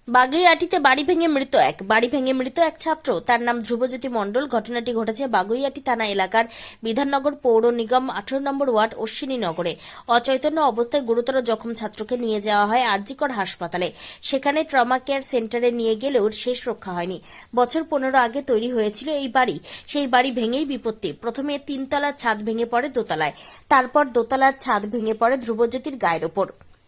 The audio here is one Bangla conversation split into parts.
বাগুইআটিতে বাড়ি ভেঙে মৃত এক ছাত্র। তার নাম ধ্রুবজ্যোতি মণ্ডল। ঘটনাটি ঘটেছে বাগুইআটি থানা এলাকার বিধাননগর পৌর নিগম 18 নম্বর ওয়ার্ড অশ্বিনী নগরে। অচৈতন্য অবস্থায় গুরুতর জখম ছাত্রকে নিয়ে যাওয়া হয় আরজিকর হাসপাতালে। সেখানে ট্রমা কেয়ার সেন্টারে নিয়ে গেলেও শেষ রক্ষা হয়নি। বছর 15 আগে তৈরি হয়েছিল এই বাড়ি। সেই বাড়ি ভেঙেই বিপত্তি। প্রথমে 3 তলার ছাদ ভেঙে পড়ে দোতলায়, তারপর দোতলার ছাদ ভেঙে পড়ে ধ্রুবজ্যোতির গায়ের ওপর।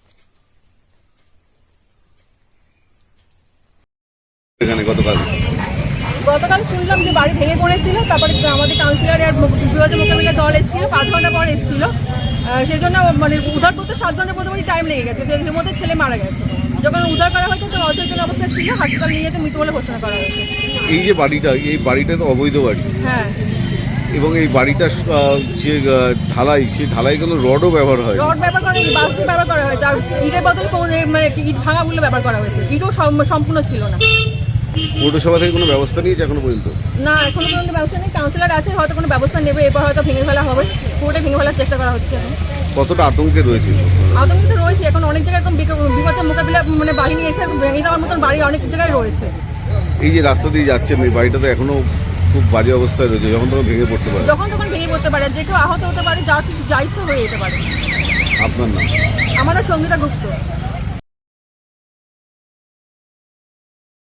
এখানে গতকাল গতকাল শুনলাম যে বাড়ি ভেঙে পড়েছিল, তারপরে আমাদের কাউন্সিলর আর বিভাজন মোকাবিলার দল এসেছিল, 5 ঘন্টা পর এসেছিল। সেই জন্য মানে উদ্ধার করতে 7 ঘন্টার মোটামুটি টাইম লেগে গেছে। এর মধ্যে ছেলে মারা গেছে। যখন উদ্ধার করা হয়েছে তো অচেতন অবস্থায় ছিল, হাসপাতাল নিয়ে যেতে মৃত বলে ঘোষণা করা হয়েছে। এই বাড়িটা তো অবৈধ বাড়ি, হ্যাঁ, এবং এই বাড়িটা যে ঢালাই, সেই ঢালাই কোনো রডও ব্যবহার হয়। রড ব্যবহার করা হয়েছে, বালতি ব্যবহার করা হয়েছে, আর ইটের বদলে মানে ইট ভাঙাগুলো ব্যবহার করা হয়েছে। ইটও সম্পূর্ণ ছিল না। পৌরসভা থেকে কোনো ব্যবস্থা নিয়েছে এখনো পর্যন্ত? না, এখনো পর্যন্ত ব্যবস্থা নেই। কাউন্সিলর আছে, হয়তো কোনো ব্যবস্থা নেবে। এরপর হয়তো ভেঙে ফেলা হবে, পুরোটা ভেঙে ফেলার চেষ্টা করা হচ্ছে এখন। কতটা আতঙ্কে রয়েছে? আতঙ্কিত রয়েছে। এখন অনেক জায়গায় এরকম বিপদের মোকাবিলা মানে বাড়ি নিয়ে এসে ভেঙে দেওয়ার মতন বাড়ি অনেক জায়গায় রয়েছে। এই যে রাস্তা দিয়ে যাচ্ছেন, এই বাড়িটা তো এখনো খুব বাজে অবস্থায় রয়েছে, যখন তখন ভেঙে পড়তে পারে। যখন তখন ভেঙে পড়তে পারে, যে কেউ আহত হতে পারে, যা কিছু যা ইচ্ছা হয়ে যেতে পারে। আপনার নাম? আমাদের সঙ্গীতা গুপ্ত।